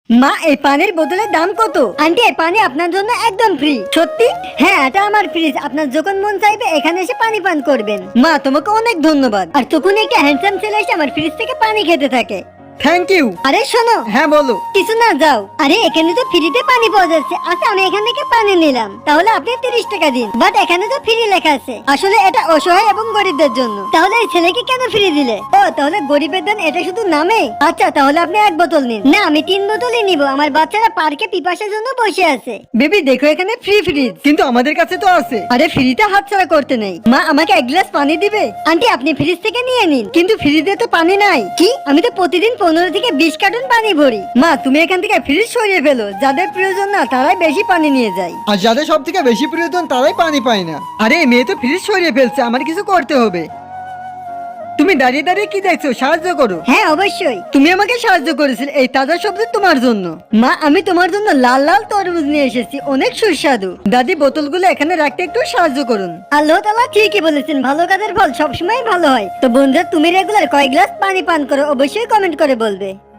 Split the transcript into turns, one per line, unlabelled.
মা, এই পানির বোতলের দাম কত? আন্টি, এই পানি আপনার জন্য একদম ফ্রি। সত্যি? হ্যাঁ, এটা আমার ফ্রিজ। আপনার যখন মন চাইবে এখানে এসে পানি পান করবেন। মা, তোমাকে অনেক ধন্যবাদ। আর তখন একটা হ্যান্ডসাম ছেলে এসে আমার ফ্রিজ থেকে পানি খেতে থাকে।
Thank you.
আরে শোনো।
হ্যাঁ বলো।
কিছু না, যাও। আরে এখানে তো ফ্রিতে পানি পাওয়া যাচ্ছে। আচ্ছা, আমি এখান থেকে পানি নিলাম, তাহলে আপনি 30 টাকা দিন। বাট এখানে তো ফ্রি লেখা আছে। আসলে এটা অসহায় এবং গরিবদের জন্য। তাহলে এই ছেলেকে কেন ফ্রি দিলে? ও, তাহলে গরিবের দান এটা শুধু নামে। আচ্ছা, তাহলে আপনি 1 বোতল নিন। না, আমি 3 বোতলই নিব। আমার বাচ্চারা পার্কে পিপাসার জন্য বসে আছে। বেবি দেখো, এখানে ফ্রি ফ্রিজ।
কিন্তু আমাদের কাছে তো আছে।
আরে ফ্রিতে হাতছাড়া করতে নেই। মা, আমাকে 1 গ্লাস পানি দিবে? আন্টি, আপনি ফ্রিজ থেকে নিয়ে নিন। কিন্তু ফ্রিজে তো পানি নাই। কি? আমি তো প্রতিদিন 15 থেকে 20 কার্টন পানি ভরি। মা, তুমি এখান থেকে ফ্রিজ সরিয়ে ফেলো। যাদের প্রয়োজন না তারাই বেশি পানি নিয়ে যায়।
আর যাদের সব থেকে বেশি প্রয়োজন তারাই পানি পায় না। আরে এই মেয়ে তো ফ্রিজ সরিয়ে ফেলছে, আমার কিছু করতে হবে। তুমি দাঁড়িয়ে দাঁড়িয়ে কি দেখছো? সাহায্য করো।
হ্যাঁ, অবশ্যই। তুমি আমাকে সাহায্য করেছিলে এই তাজা সবজি তোমার জন্য। মা, আমি তোমার জন্য লাল লাল তরমুজ নিয়ে এসেছি, অনেক সুস্বাদু। দাদি, বোতলগুলো এখানে রাখতে একটু সাহায্য করুন। আল্লাহ তাআলা ঠিকই বলেছেন, ভালো কাজের ফল সবসময় ভালো হয়। তো বন্ধুরা, তুমি রেগুলার কয় গ্লাস পানি পান করো অবশ্যই কমেন্ট করে বলবে।